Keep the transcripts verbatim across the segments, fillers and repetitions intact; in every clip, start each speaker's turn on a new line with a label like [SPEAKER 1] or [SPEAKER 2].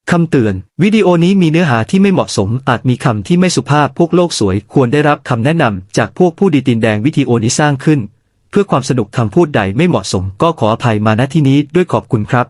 [SPEAKER 1] คำเตือนวิดีโอนี้มีเนื้อหาที่ไม่เหมาะสมอาจมีคำที่ไม่สุภาพพวกโลกสวยควรได้รับคำแนะนำจากพวกผู้ดีตีนแดงวิดีโอนี้สร้างขึ้นเพื่อความสนุกคำพูดใดไม่เหมาะสมก็ขออภัยมาณที่นี้ด้วยขอบคุณครับ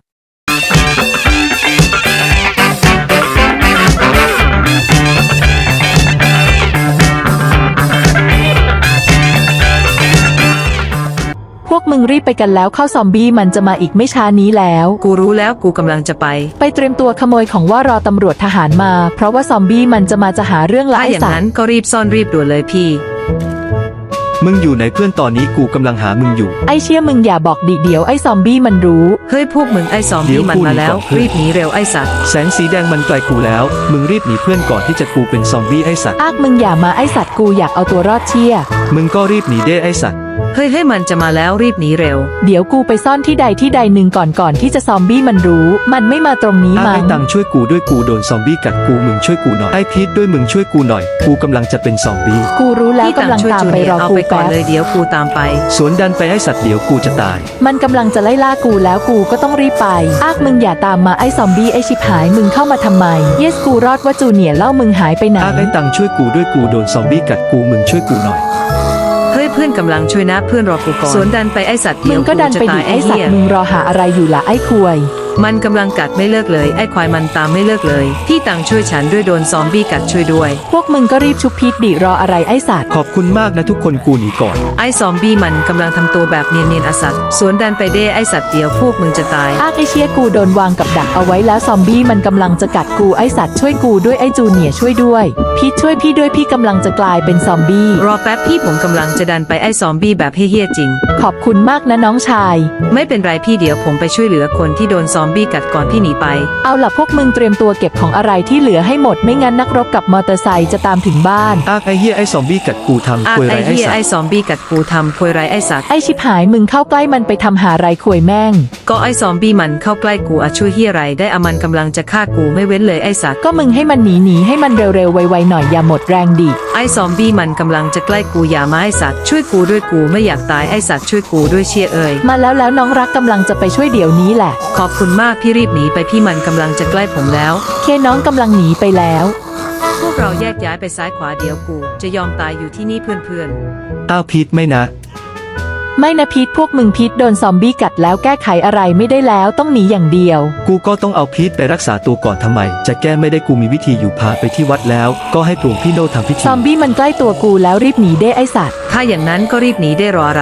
[SPEAKER 2] พวกมึงรีบไปกันแล้วเข้าซอมบี้มันจะมาอีกไม่ช้านี้แล้ว
[SPEAKER 3] กูรู้แล้วกูกำลังจะไป
[SPEAKER 2] ไปเตรียมตัวขโมยของว่ารอตำรวจทหารมาเพราะว่าซอมบี้มันจะมาจะหาเรื่องละไอ้
[SPEAKER 3] ถ้าอย่าง
[SPEAKER 2] สัต
[SPEAKER 3] นั้น
[SPEAKER 2] ว์
[SPEAKER 3] ก็รีบซ่อนรีบด่วนเลยพี่
[SPEAKER 1] มึงอยู่ไหนเพื่อนตอนนี้กูกำลังหามึงอยู่
[SPEAKER 2] ไอ้เชี่ยมึงอย่าบอกดิเดี๋ยวไอ้ซอมบี้มันรู้
[SPEAKER 3] เฮ้ยพวกมึงไอ้ซอมบี้มันมาแล้วรีบหนีเร็วไอ้สัตว์
[SPEAKER 1] แสงสีแดงมันไกลกูแล้วมึงรีบหนีเพื่อนก่อนที่จะกูเป็นซอมบี้ไอ้สัตว์
[SPEAKER 2] อากมึงอย่ามาไอ้สัตว์กูอยากเอาตัวรอดเชี่ย
[SPEAKER 1] มึงก็รีบหนีเด้ไอ้สัตว์
[SPEAKER 3] เฮ้ยให้มันจะมาแล้วรีบหนีเร็ว
[SPEAKER 2] เดี๋ยวกูไปซ่อนที่ใดที่ใดหนึ่งก่อนก่อนที่จะซอมบี้มันรู้มันไม่มาตรงนี้มั้ง
[SPEAKER 1] ไอ้ตังช่วยกูด้วยกูโดนซอมบี้กัดกูมึงช่วยกูหน่อยไอ้พีทด้วยมึงช่วยกูหน่อยกูกำลังจะเป็นซอมบี้
[SPEAKER 2] กูรู้แล้วกำลังตามไปรอกูแป๊บ
[SPEAKER 3] เลยเดี๋ยวกูตามไป
[SPEAKER 1] สวนดันไปไอ้สัตว์เดี๋ยวกูจะตาย
[SPEAKER 2] มันกำลังจะไล่ล่ากูแล้วกูก็ต้องรีบไปอากมึงอย่าตามมาไอ้ซอมบี้ไอ้ชิบหายมึงเข้ามาทำไมเยสกูรอดว่าจูเนียร์เล่ามึงหายไปไหน
[SPEAKER 1] ไอ้ตังช่วยกูด้วยกูโดนซอมบี้กัดกูมึงช่วยกูหน่อย
[SPEAKER 3] เฮ้ยเพื่อนกำลังช่วยนะเพื่อนรอกูก่อนสวนดันไปไอ้สัตว์
[SPEAKER 2] มึงก็ดันไปดิไอ้สัตว์มึงรอหาอะไรอยู่ล่ะไอ้ควย
[SPEAKER 3] มันกำลังกัดไม่เลิกเลยไอ้ควายมันตามไม่เลิกเลยพี่ตังช่วยฉันด้วยโดนซอมบี้กัดช่วยด้วย
[SPEAKER 2] พวกมึงก็รีบชุบพีทดิรออะไรไอ้สัตว์
[SPEAKER 1] ขอบคุณมากนะทุกคนกูหนีก่อน
[SPEAKER 3] ไอ้ซอมบี้มันกำลังทำตัวแบบเนียนๆอสัตว์สวนดันไปเด้ไอ้สัตว์เดียวพวกมึงจะตาย
[SPEAKER 2] อากไอ้เชี่ยกูโดนวางกับดักเอาไว้แล้วซอมบี้มันกำลังจะกัดกูไอ้สัตว์ช่วยกูด้วยไอ้จูเนียร์ช่วยด้วยพีทช่วยพี่ด้วยพี่กำลังจะกลายเป็นซอมบี้
[SPEAKER 3] รอแป๊บพี่ผมกำลังจะดันไปไอ้ซอมบี้แบบเฮี้ยๆจริง
[SPEAKER 2] ขอบคุณมากนะน้องชาย
[SPEAKER 3] ไม่เป็นไรพี่เดี๋ยวผมไปช่วยเหลือคนที่โดนซอมบี้กัดก่อนพี่หนีไป
[SPEAKER 2] เอาล่ะพวกมึงเตรียมตัวเก็บของอะไรที่เหลือให้หมดไม่งั้นนักรบกับมอเตอร์ไซค์จะตามถึงบ้าน
[SPEAKER 1] อากไอ้เฮียไอ้ซอมบี้กัดกูทำควยไร
[SPEAKER 3] ไอ้สัตว์ไอ้ซอมบี้กัดกูทำควยไรไอ้สัตว์
[SPEAKER 2] ไอ้ชิบหายมึงเข้าใกล้มันไปทำหาไรควยแม่ง
[SPEAKER 3] ก็ไอ้ซอมบี้มันเข้าใกล้กูอะช่วยเฮียไรได้อะมันกำลังจะฆ่ากูไม่เว้นเลยไอ้สัตว์
[SPEAKER 2] ก็มึงให้มันหนีหนีให้มันเร็วๆไวๆหน่อยอย่าหมดแรงดิ
[SPEAKER 3] ไอ้ซอมบี้มันกำลังจะใกล้กูอย่ามาไอ้สัตว์ช่วยกูด้วยกูไม่อยากตายไอ้สัตว์ช่วยกูด้วยเชียเอ่ย
[SPEAKER 2] มาแล้วแล้วน้องรักกำลังจะไปช่วยเดี๋ยวนี้แหละ
[SPEAKER 3] ขอบคุณมากพี่รีบหนีไปพี่มันกำลังจะใกล้ผมแล้ว
[SPEAKER 2] เคน้องกำลังหนีไปแล้ว
[SPEAKER 3] พวกเราแยกย้ายไปซ้ายขวาเดี๋ยวกูจะยอมตายอยู่ที่นี่เพื่อน
[SPEAKER 1] ๆอ้าวพีทไม่นะ
[SPEAKER 2] ไม่นะพีทพวกมึงพีทโดนซอมบี้กัดแล้วแก้ไขอะไรไม่ได้แล้วต้องหนีอย่างเดียว
[SPEAKER 1] กูก็ต้องเอาพีทไปรักษาตัวก่อนทำไมจะแก้ไม่ได้กูมีวิธีอยู่พาไปที่วัดแล้วก็ให้ปลุกพี่โนทำพิธี
[SPEAKER 2] ซอมบี้มันใกล้ตัวกูแล้วรีบหนีได้ไอสัตว์
[SPEAKER 3] ถ้าอย่างนั้นก็รีบหนีได้รออะไร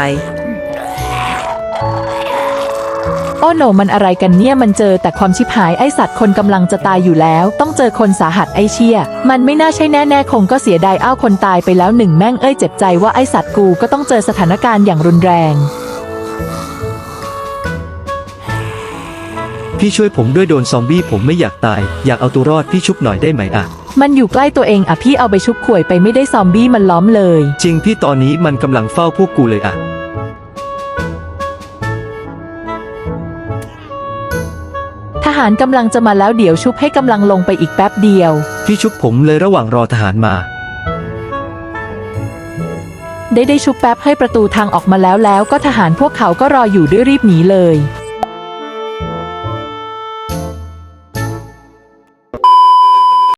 [SPEAKER 2] โอ้โหมันอะไรกันเนี่ยมันเจอแต่ความชิบหายไอสัตว์คนกำลังจะตายอยู่แล้วต้องเจอคนสาหัสไอเชี่ยมันไม่น่าใช่แน่ๆคงก็เสียดายอ้าวคนตายไปแล้วหนึ่งแม่งเอ้ยเจ็บใจว่าไอสัตว์กูก็ต้องเจอสถานการณ์อย่างรุนแรง
[SPEAKER 1] พี่ช่วยผมด้วยโดนซอมบี้ผมไม่อยากตายอยากเอาตัวรอดพี่ชุบหน่อยได้ไหมอ่ะ
[SPEAKER 2] มันอยู่ใกล้ตัวเองอ่ะพี่เอาไปชุบข่วยไปไม่ได้ซอมบี้มันล้อมเลย
[SPEAKER 1] จริงพี่ตอนนี้มันกำลังเฝ้าพวกกูเลยอ่ะ
[SPEAKER 2] ทหารกำลังจะมาแล้วเดี๋ยวชุบให้กำลังลงไปอีกแป๊บเดียว
[SPEAKER 1] พี่ชุบผมเลยระหว่างรอทหารมา
[SPEAKER 2] ได้ได้ชุบแป๊บให้ประตูทางออกมาแล้วแล้วก็ทหารพวกเขาก็รออยู่ด้วยรีบหนีเลย